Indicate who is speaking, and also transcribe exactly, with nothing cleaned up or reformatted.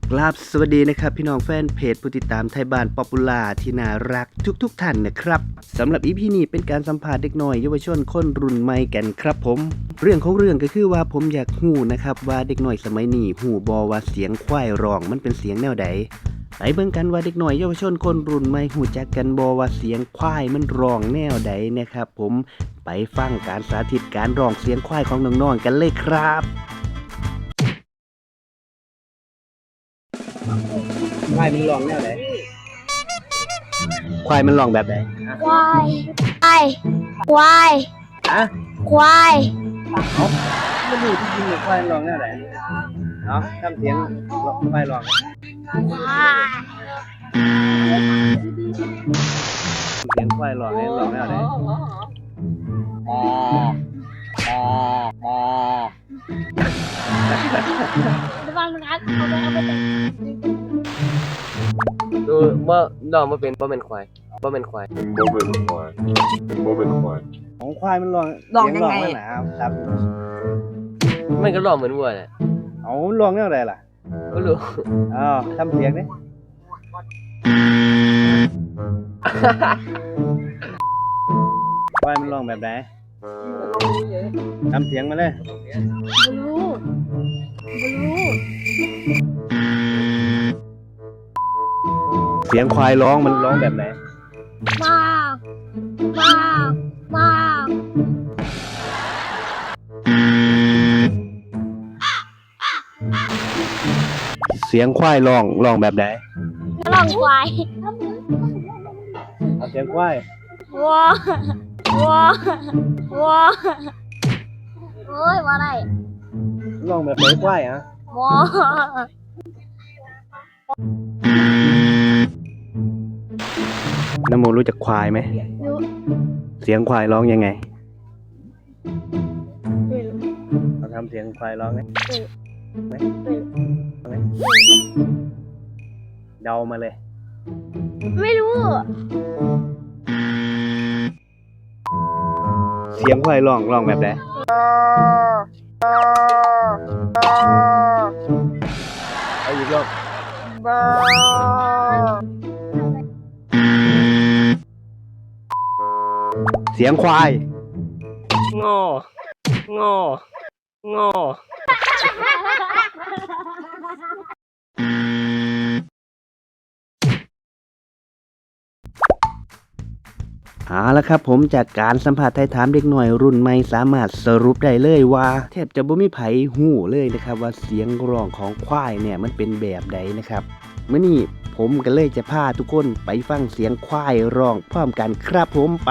Speaker 1: กราบสวัสดีนะครับพี่น้องแฟนเพจผู้ติดตามไทยบ้านป๊อปปูล่าที่น่ารักทุกๆท่านนะครับสำหรับอีพีนี้เป็นการสัมภาษณ์เด็กน้อยเยาวชนคนรุ่นใหม่กันครับผมเรื่องของเรื่องก็คือว่าผมอยากฮู้นะครับว่าเด็กน้อยสมัยนี้ฮู้บ่ว่าเสียงควายร้องมันเป็นเสียงแนวใดไปเบิ่งกันว่าเด็กน้อยเยาวชนคนรุ่นใหม่ฮู้จักกันบ่ว่าเสียงควายมันร้องแนวใดนะครับผมไปฟังการสาธิตการร้องเสียงควายของน้องๆกันเลยครับควายมันร้องแนวไหนควายมันร้องแบบไหน
Speaker 2: ควายควายควาย
Speaker 1: ฮะ
Speaker 2: ควาย
Speaker 1: เอาไม่รู้ที่จริงควายร้องแนวไหนเนาะทำเสียงควายร้องเสียงควายร้องเนี่ยร้องแนวไหนอ๋ออ๋ออ๋อ
Speaker 2: ระวังนะครับเอาไปเอาไปแต่ง
Speaker 3: ดูว่าดอกมาเป็นบ่เป็นควายบ่เป็นควาย
Speaker 4: บ่เป็นควายบ่เป็นควาย
Speaker 1: ของควายมันร้อง
Speaker 5: ร้องยังไง
Speaker 1: เสีร้อนะครับ
Speaker 3: มันก็ร้องเหมือนวัวแหละ
Speaker 1: เอาร้องแนวไหนล่ะ
Speaker 3: ก็รู้
Speaker 1: อ้าวทำเสียงดิควายมันร้องแบบไหนทำเสียงมาเลย
Speaker 2: บลูบลู
Speaker 1: เสียงควายร้องมันร้องแบบไหน
Speaker 2: มากมากมาก
Speaker 1: เสียงควายร้องร้องแบบไหน
Speaker 2: ระวังควาย
Speaker 1: เอาเสียงควาย
Speaker 2: วัววัววัวเฮ้ยว่าอะไร
Speaker 1: ร้องแบบไหนควายฮะ
Speaker 2: วัว
Speaker 1: น้ำโมรู้จักควายไหม
Speaker 2: รู้
Speaker 1: เสียงควายร้องยังไงเราทำเสียงควายร้องไหมไหมไหมเดามาเลย
Speaker 2: ไม่รู้
Speaker 1: เสียงควายร้องร้องแบบไหนเอาอีกรอบเสียงควาย
Speaker 3: งององอ
Speaker 1: เอาละครับผมจากการสัมผัสไทยถามเด็กหน่อยรุ่นใหม่สามารถสรุปได้เลยว่าแทบจะบ่มีไผหู้เลยนะครับว่าเสียงร้องของควายเนี่ยมันเป็นแบบใดนะครับเมื่อนี้ผมก็เลยจะพาทุกคนไปฟังเสียงควายร้องพร้อมกันครับผมไป